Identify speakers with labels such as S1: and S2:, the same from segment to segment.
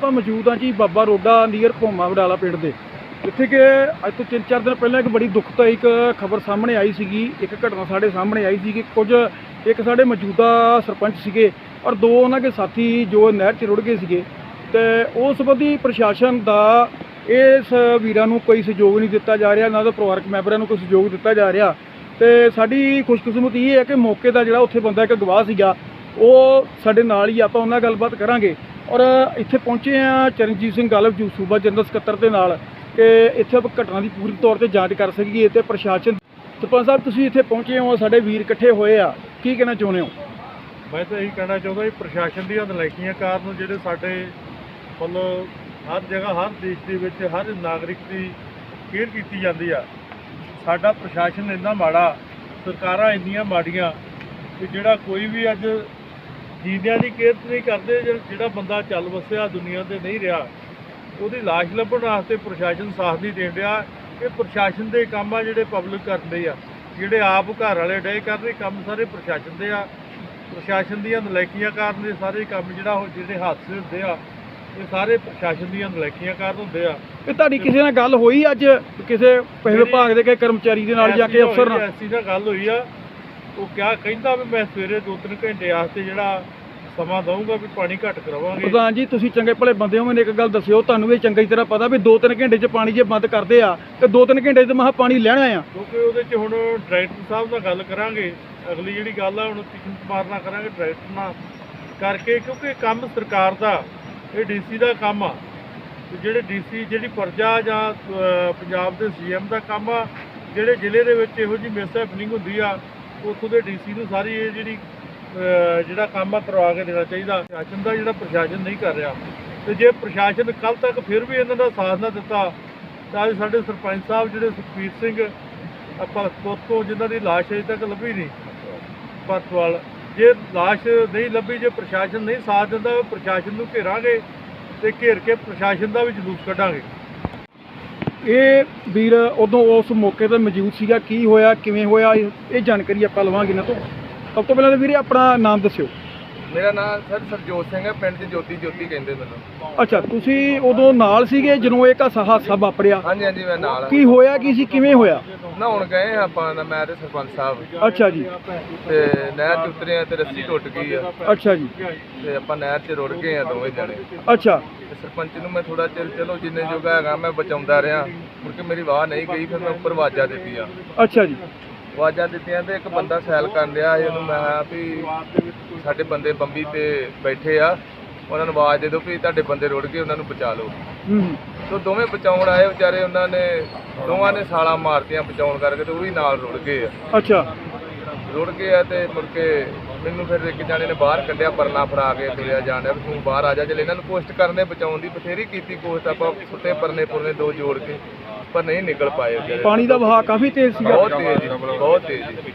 S1: ਆਪਾਂ ਮੌਜੂਦ ਹਾਂ ਜੀ ਬਾਬਾ ਰੋਡਾ ਨੀਅਰ ਭੋਮਾ ਵਡਾਲਾ ਪਿੰਡ ਦੇ, ਜਿੱਥੇ ਕਿ ਅੱਜ ਤੋਂ 3-4 ਦਿਨ ਪਹਿਲਾਂ ਇੱਕ ਬੜੀ ਦੁਖਦਾਇਕ ਖਬਰ ਸਾਹਮਣੇ ਆਈ ਸੀਗੀ। ਇੱਕ ਘਟਨਾ ਸਾਡੇ ਸਾਹਮਣੇ ਆਈ ਸੀ ਕਿ ਇੱਕ ਸਾਡੇ ਮੌਜੂਦਾ ਸਰਪੰਚ ਸੀਗੇ ਔਰ ਦੋ ਉਹਨਾਂ ਦੇ ਸਾਥੀ ਜੋ ਨਹਿਰ 'ਚ ਰੁੜ ਗਏ ਸੀਗੇ, ਤੇ ਉਸ ਸੰਬੰਧੀ ਪ੍ਰਸ਼ਾਸਨ ਦਾ ਇਸ ਵੀਰਾਂ ਨੂੰ ਕੋਈ ਸਹਿਯੋਗ ਨਹੀਂ ਦਿੱਤਾ ਜਾ ਰਿਹਾ, ਨਾ ਤਾਂ ਪਰਿਵਾਰਕ ਮੈਂਬਰਾਂ ਨੂੰ ਕੋਈ ਸਹਿਯੋਗ ਦਿੱਤਾ ਜਾ ਰਿਹਾ। ਤੇ ਸਾਡੀ ਖੁਸ਼ਕਿਸਮਤੀ ਇਹ ਹੈ ਕਿ ਮੌਕੇ ਦਾ ਜਿਹੜਾ ਉੱਥੇ ਬੰਦਾ ਇੱਕ ਗਵਾਹ ਸੀਗਾ ਉਹ ਸਾਡੇ ਨਾਲ ਹੀ, ਆਪਾਂ ਉਹਨਾਂ ਨਾਲ ਗੱਲਬਾਤ ਕਰਾਂਗੇ। ਔਰ ਇੱਥੇ ਪਹੁੰਚੇ ਆ ਚਰਨਜੀਤ ਸਿੰਘ ਗਾਲਬ ਜੀ ਸੂਬਾ ਜਨਰਲ ਸਕੱਤਰ ਦੇ ਨਾਲ ਕਿ ਇੱਥੇ ਆਪਾਂ ਘਟਨਾ ਦੀ ਪੂਰੀ ਤੌਰ ਤੇ ਜਾਂਚ ਕਰ ਸਕੀਏ। ਤੇ ਪ੍ਰਸ਼ਾਸਨ ਸਰਪੰਚ ਸਾਹਿਬ ਤੁਸੀਂ ਇੱਥੇ ਪਹੁੰਚੇ ਹੋ, ਸਾਡੇ ਵੀਰ ਇਕੱਠੇ ਹੋਏ ਆ, ਕੀ ਕਹਿਣਾ ਚਾਹੁੰਦੇ ਹੋ?
S2: ਮੈਂ ਤਾਂ ਇਹੀ ਕਹਿਣਾ ਚਾਹੁੰਦਾ ਜੀ, ਪ੍ਰਸ਼ਾਸਨ ਦੀਆਂ ਨਲਾਇਕੀਆਂ ਕਾਰਨ ਜਿਹੜੇ ਸਾਡੇ ਵੱਲੋਂ ਹਰ ਜਗ੍ਹਾ ਹਰ ਦੇਸ਼ ਦੇ ਵਿੱਚ ਹਰ ਨਾਗਰਿਕ ਦੀ ਕੇਅਰ ਕੀਤੀ ਜਾਂਦੀ ਆ, ਸਾਡਾ ਪ੍ਰਸ਼ਾਸਨ ਇੰਨਾ ਮਾੜਾ, ਸਰਕਾਰਾਂ ਇੰਨੀਆਂ ਮਾੜੀਆਂ ਕਿ ਜਿਹੜਾ ਕੋਈ ਵੀ ਅੱਜ ਜੀਂਦਿਆਂ ਦੀ ਕੇਅਰ ਨਹੀਂ ਕਰਦੇ। ਜਿਹੜਾ ਬੰਦਾ ਚੱਲ ਵਸਿਆ ਦੁਨੀਆ 'ਤੇ ਨਹੀਂ ਰਿਹਾ, ਉਹਦੀ ਲਾਸ਼ ਲੱਭਣ ਵਾਸਤੇ ਪ੍ਰਸ਼ਾਸਨ ਸਾਥ ਨਹੀਂ ਦੇਣ ਰਿਹਾ। ਇਹ ਪ੍ਰਸ਼ਾਸਨ ਦੇ ਕੰਮ ਆ ਜਿਹੜੇ ਪਬਲਿਕ ਕਰਦੇ ਆ, ਜਿਹੜੇ ਆਪ ਘਰ ਵਾਲੇ ਡੇ ਕਰਦੇ ਕੰਮ ਸਾਰੇ ਪ੍ਰਸ਼ਾਸਨ ਦੇ ਆ। ਪ੍ਰਸ਼ਾਸਨ ਦੀਆਂ ਨਲਾਇਕੀਆਂ ਕਾਰਨ ਇਹ ਸਾਰੇ ਕੰਮ ਜਿਹੜਾ ਉਹ ਜਿਹੜੇ ਹਾਦਸੇ ਹੁੰਦੇ ਆ ਇਹ ਸਾਰੇ ਪ੍ਰਸ਼ਾਸਨ ਦੀਆਂ ਨਲਾਇਕੀਆਂ ਕਾਰਨ ਹੁੰਦੇ ਆ।
S1: ਇਹ ਤੁਹਾਡੀ ਕਿਸੇ ਨਾਲ ਗੱਲ ਹੋਈ ਅੱਜ, ਕਿਸੇ ਵਿਭਾਗ ਦੇ ਕਿਸੇ ਕਰਮਚਾਰੀ ਦੇ ਨਾਲ ਜਾਂ ਕੇ ਅਫਸਰ ਨਾਲ?
S2: ਐਸੀ ਨਾਲ ਗੱਲ ਹੋਈ ਆ, ਉਹ ਕਹਿੰਦਾ ਵੀ ਮੈਂ ਸਵੇਰੇ 2-3 ਘੰਟੇ ਵਾਸਤੇ ਜਿਹੜਾ ਸਮਾਂ ਦਊਂਗਾ ਵੀ ਪਾਣੀ ਘੱਟ ਕਰਾਵਾਂਗੇ।
S1: ਪ੍ਰਧਾਨ ਜੀ ਤੁਸੀਂ ਚੰਗੇ ਭਲੇ ਬੰਦੇ ਹੋ, ਮੈਨੂੰ ਇੱਕ ਗੱਲ ਦੱਸਿਓ, ਤੁਹਾਨੂੰ ਇਹ ਚੰਗੀ ਤਰ੍ਹਾਂ ਪਤਾ ਵੀ 2-3 ਘੰਟੇ 'ਚ ਪਾਣੀ ਜੇ ਬੰਦ ਕਰਦੇ ਆ ਤੇ 2-3 ਘੰਟੇ 'ਚ ਮਹਾ ਪਾਣੀ ਲੈਣਾ ਆ।
S2: ਕਿਉਂਕਿ ਉਹਦੇ 'ਚ ਹੁਣ ਡਾਇਰੈਕਟਰ ਸਾਹਿਬ ਨਾਲ ਗੱਲ ਕਰਾਂਗੇ, ਅਗਲੀ ਜਿਹੜੀ ਗੱਲ ਆ ਹੁਣ ਕਿਸ਼ਨ ਕੁਮਾਰ ਨਾਲ ਕਰਾਂਗੇ, ਡਾਇਰੈਕਟਰ ਨਾਲ ਕਰਕੇ, ਕਿਉਂਕਿ ਕੰਮ ਸਰਕਾਰ ਦਾ, ਇਹ ਡੀਸੀ ਦਾ ਕੰਮ ਆ। ਜਿਹੜੇ ਡੀਸੀ ਜਿਹੜੀ ਪ੍ਰਜਾ ਜਾਂ ਪੰਜਾਬ ਦੇ ਸੀਐਮ ਦਾ ਕੰਮ ਆ, ਜਿਹੜੇ ਜ਼ਿਲ੍ਹੇ ਦੇ ਵਿੱਚ ਇਹੋ ਜਿਹੀ ਮਿਸਹੈਪਨਿੰਗ ਹੁੰਦੀ ਆ ਉੱਥੋਂ ਦੇ ਡੀਸੀ ਨੂੰ ਸਾਰੀ ਇਹ ਜਿਹੜਾ ਕੰਮ ਆ ਕਰਵਾ ਕੇ ਦੇਣਾ ਚਾਹੀਦਾ। ਪ੍ਰਸ਼ਾਸਨ ਦਾ ਜਿਹੜਾ ਪ੍ਰਸ਼ਾਸਨ ਨਹੀਂ ਕਰ ਰਿਹਾ, ਤੇ ਜੇ ਪ੍ਰਸ਼ਾਸਨ ਕੱਲ੍ਹ ਤੱਕ ਫਿਰ ਵੀ ਇਹਨਾਂ ਦਾ ਸਾਥ ਨਾ ਦਿੱਤਾ ਤਾਂ ਅੱਜ ਸਾਡੇ ਸਰਪੰਚ ਸਾਹਿਬ ਜਿਹੜੇ ਸੁਖਬੀਰ ਸਿੰਘ ਆਪਾਂ ਤੋਂ ਜਿਨ੍ਹਾਂ ਦੀ ਲਾਸ਼ ਅਜੇ ਤੱਕ ਲੱਭੀ ਨਹੀਂ ਪਰਤਵਾਲ, ਜੇ ਲਾਸ਼ ਨਹੀਂ ਲੱਭੀ, ਜੇ ਪ੍ਰਸ਼ਾਸਨ ਨਹੀਂ ਸਾਥ ਦਿੰਦਾ, ਪ੍ਰਸ਼ਾਸਨ ਨੂੰ ਘੇਰਾਂਗੇ ਤੇ ਘੇਰ ਕੇ ਪ੍ਰਸ਼ਾਸਨ ਦਾ ਵੀ ਜਲੂਸ ਕੱਢਾਂਗੇ।
S1: ਇਹ ਵੀਰ ਉਦੋਂ ਉਸ ਮੌਕੇ 'ਤੇ ਮੌਜੂਦ ਸੀਗਾ, ਕੀ ਹੋਇਆ ਕਿਵੇਂ ਹੋਇਆ ਇਹ ਜਾਣਕਾਰੀ ਆਪਾਂ ਲਵਾਂਗੇ ਇਹਨਾਂ ਤੋਂ। ਸਭ ਤੋਂ ਪਹਿਲਾਂ ਤਾਂ ਵੀਰੇ ਆਪਣਾ ਨਾਮ ਦੱਸਿਓ।
S3: ਮੇਰਾ ਨਾਮ ਸਰ ਸਰਜੋਤ ਸਿੰਘ ਹੈ, ਪਿੰਡ 'ਚ ਜੋਤੀ ਕਹਿੰਦੇ ਮੈਨੂੰ।
S1: ਅੱਛਾ, ਤੁਸੀਂ ਉਦੋਂ ਨਾਲ ਸੀਗੇ ਜਦੋਂ ਇਹ ਹਾਦਸਾ ਵਾਪਰਿਆ?
S3: ਹਾਂਜੀ ਹਾਂਜੀ ਮੈਂ ਨਾਲ।
S1: ਕੀ ਹੋਇਆ ਕੀ ਸੀ, ਕਿਵੇਂ ਹੋਇਆ?
S3: ਨਹਾਉਣ ਗਏ ਆਪਾਂ, ਮੈਂ ਤੇ ਸਰਪੰਚ ਸਾਹਿਬ।
S1: ਅੱਛਾ ਜੀ।
S3: ਤੇ ਨਹਿਰ 'ਚ ਉਤਰੇ ਆ ਤੇ ਰੱਸੀ ਟੁੱਟ ਗਈ ਆ।
S1: ਅੱਛਾ ਜੀ।
S3: ਤੇ ਆਪਾਂ ਨਹਿਰ 'ਚ ਰੁੜ ਗਏ ਆ ਦੋਵੇਂ ਜਣੇ।
S1: ਅੱਛਾ।
S3: ਤੇ ਸਰਪੰਚ ਨੂੰ ਮੈਂ ਥੋੜਾ ਚਿਰ ਚਲੋ ਜਿੰਨੇ ਜੋਗਾ ਹੈਗਾ ਮੈਂ ਬਚਾਉਂਦਾ ਰਿਹਾ, ਮੁੜ ਕੇ ਮੇਰੀ ਵਾਹ ਨਹੀਂ ਗਈ, ਫਿਰ ਮੈਂ ਉੱਪਰ ਆਵਾਜ਼ਾਂ ਦਿੱਤੀਆਂ।
S1: ਅੱਛਾ ਜੀ।
S3: ਆਵਾਜ਼ਾਂ ਦਿੱਤੀਆਂ ਤੇ ਇੱਕ ਬੰਦਾ ਸੈਲ ਕਰਨ ਡਿਆ ਸੀ, ਉਹਨੂੰ ਮੈਂ ਕਿਹਾ ਵੀ ਸਾਡੇ ਬੰਦੇ ਬੰਬੀ ਤੇ ਬੈਠੇ ਆ, ਉਹਨਾਂ ਨੂੰ ਆਵਾਜ਼ ਦੇ ਦਿਓ ਵੀ ਤੁਹਾਡੇ ਬੰਦੇ ਰੁੜ ਗਏ, ਉਹਨਾਂ ਨੂੰ ਬਚਾ ਲਓ। ਤੋ ਦੋਵੇਂ ਬਚਾਉਣ ਆਏ ਵਿਚਾਰੇ, ਉਹਨਾਂ ਨੇ ਦੋਵਾਂ ਨੇ ਛਾਲਾਂ ਮਾਰਤੀਆਂ ਬਚਾਉਣ ਕਰਕੇ, ਤੇ ਉਹ ਵੀ ਨਾਲ ਰੁੜ ਗਏ ਆ।
S1: ਅੱਛਾ।
S3: ਰੁੜ ਗਏ ਆ ਤੇ ਮੁੜ ਕੇ ਮੈਨੂੰ ਫਿਰ ਇੱਕ ਜਾਣੇ ਨੇ ਬਾਹਰ ਕੱਢਿਆ, ਪਰਨਾ ਫੜਾ ਕੇ ਤੁਰਿਆ ਜਾਣ ਡਿਆ ਵੀ ਤੂੰ ਬਾਹਰ ਆ ਜਾ। ਚਲ ਇਹਨਾਂ ਨੂੰ ਕੋਸ਼ਿਸ਼ ਕਰਨੇ ਬਚਾਉਣ ਦੀ, ਬਥੇਰੀ ਕੀਤੀ ਕੋਸ਼ਿਸ਼ ਆਪਾਂ, ਸੁੱਤੇ ਪੁਰਨੇ ਦੋ ਜੋੜ ਕੇ, ਪਰ ਨਹੀਂ ਨਿਕਲ ਪਾਏ ਵਿਚਾਰੇ।
S1: ਪਾਣੀ ਦਾ ਵਹਾਅ ਕਾਫੀ ਤੇਜ਼ ਸੀਗਾ?
S3: ਬਹੁਤ ਤੇਜ਼ ਜੀ, ਬਹੁਤ ਤੇਜ਼ ਜੀ।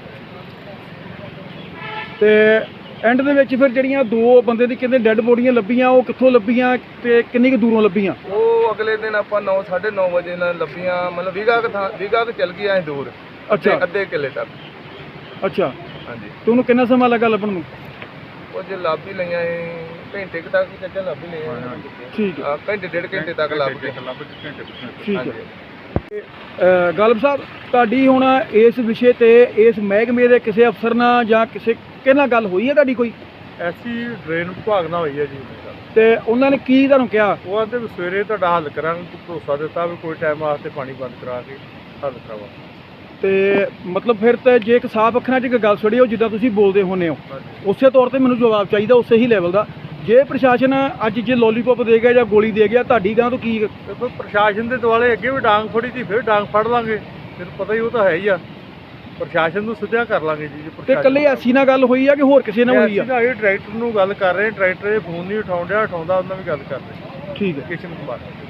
S1: ਤੇ ਐਂਡ ਦੇ ਵਿੱਚ ਫਿਰ ਜਿਹੜੀਆਂ ਦੋ ਬੰਦੇ ਦੀ ਕਹਿੰਦੇ ਡੈੱਡ ਬੋਡੀਆਂ ਲੱਭੀਆਂ, ਉਹ ਕਿੱਥੋਂ ਲੱਭੀਆਂ ਤੇ ਕਿੰਨੀ ਕੁ ਦੂਰੋਂ ਲੱਭੀਆਂ?
S3: ਉਹ ਅਗਲੇ ਦਿਨ ਆਪਾਂ 9-9:30 ਵਜੇ ਨਾਲ ਲੱਭੀਆਂ, ਮਤਲਬ ਵੀਗਾ ਕੁ ਚੱਲ ਗਈ ਐ ਦੂਰ।
S1: ਅੱਛਾ।
S3: ਅੱਧੇ ਕਿੱਲੇ ਤੱਕ।
S1: ਅੱਛਾ।
S3: ਹਾਂਜੀ।
S1: ਤੇ ਉਹਨੂੰ ਕਿੰਨਾ ਸਮਾਂ ਲੱਗਾ ਲੱਭਣ ਨੂੰ?
S3: ਉਹ ਜੇ ਲੱਭ ਹੀ ਲਈਆਂ ਘੰਟੇ ਕੁ ਤੱਕ ਹੀ ਚੱਲ ਲੱਭ ਹੀ ਲਈਆਂ।
S1: ਠੀਕ ਹੈ।
S3: ਘੰਟੇ ਡੇਢ ਘੰਟੇ ਤੱਕ ਲੱਭ ਕੇ।
S1: ਠੀਕ ਹੈ। ਗਾਲਬ ਸਾਹਿਬ, ਤੁਹਾਡੀ ਹੁਣ ਇਸ ਵਿਸ਼ੇ ਤੇ ਇਸ ਮਹਿਕਮੇ ਦੇ ਕਿਸੇ ਅਫਸਰ ਨਾਲ ਜਾਂ ਕਿਸੇ ਨਾਲ ਗੱਲ ਹੋਈ ਹੈ ਤੁਹਾਡੀ ਕੋਈ?
S2: ਐਸੀ ਡਰੇਨ ਵਿਭਾਗ ਨਾਲ ਹੋਈ ਹੈ ਜੀ,
S1: ਤੇ ਉਹਨਾਂ ਨੇ ਕੀ ਤੁਹਾਨੂੰ ਕਿਹਾ?
S2: ਉਹ ਆਂਦੇ ਵੀ ਸਵੇਰੇ ਤੁਹਾਡਾ ਹੱਲ ਕਰਾਂਗੇ, ਭਰੋਸਾ ਦਿੱਤਾ ਵੀ ਕੋਈ ਟਾਈਮ ਵਾਸਤੇ ਪਾਣੀ ਬੰਦ ਕਰਾ ਕੇ ਹੱਲ ਕਰਾਵਾ।
S1: ਤੇ ਮਤਲਬ ਫਿਰ ਤਾਂ ਜੇ ਇੱਕ ਸਾਫ਼ ਅੱਖਰਾਂ 'ਚ ਇੱਕ ਗੱਲ ਛੜੀ ਹੋ, ਜਿੱਦਾਂ ਤੁਸੀਂ ਬੋਲਦੇ ਹੁੰਦੇ ਹੋ, ਉਸੇ ਤੌਰ ਤੇ ਮੈਨੂੰ ਜਵਾਬ ਚਾਹੀਦਾ ਉਸੇ ਹੀ ਲੈਵਲ ਦਾ। ਜੇ ਪ੍ਰਸ਼ਾਸਨ ਅੱਜ ਜੇ ਲੋਲੀਪੌਪ ਦੇ ਗਿਆ ਜਾਂ ਗੋਲੀ ਦੇ ਗਿਆ, ਤੁਹਾਡੀ ਗਾਂ ਤੋਂ ਕੀ?
S2: ਦੇਖੋ ਪ੍ਰਸ਼ਾਸਨ ਦੇ ਦੁਆਲੇ ਅੱਗੇ ਵੀ ਡਾਂਗ ਫੜੀ ਸੀ, ਫਿਰ ਡਾਂਗ ਫੜ ਲਾਂਗੇ, ਫਿਰ ਪਤਾ ਹੀ ਉਹ ਤਾਂ ਹੈ ਹੀ ਆ। ਪ੍ਰਸ਼ਾਸਨ ਨੂੰ ਸਿੱਧਾ ਕਰ ਲਾਂਗੇ ਜੀ।
S1: ਤੇ ਇਕੱਲੇ ਐਸੀ ਨਾਲ ਗੱਲ ਹੋਈ ਆ ਕਿ ਹੋਰ ਕਿਸੇ ਨਾਲ ਹੋਈ ਆ?
S2: ਇਹ ਡਾਇਰੈਕਟਰ ਨੂੰ ਗੱਲ ਕਰ ਰਹੇ, ਡਾਇਰੈਕਟਰ ਇਹ ਫੋਨ ਨਹੀਂ ਉਠਾਉਣ ਡਿਆ, ਉਠਾਉਂਦਾ ਉਹਨਾਂ ਵੀ ਗੱਲ ਕਰ ਰਹੇ।
S1: ਠੀਕ ਹੈ।
S2: ਕਿਸ਼ਨ ਕੁਮਾਰ।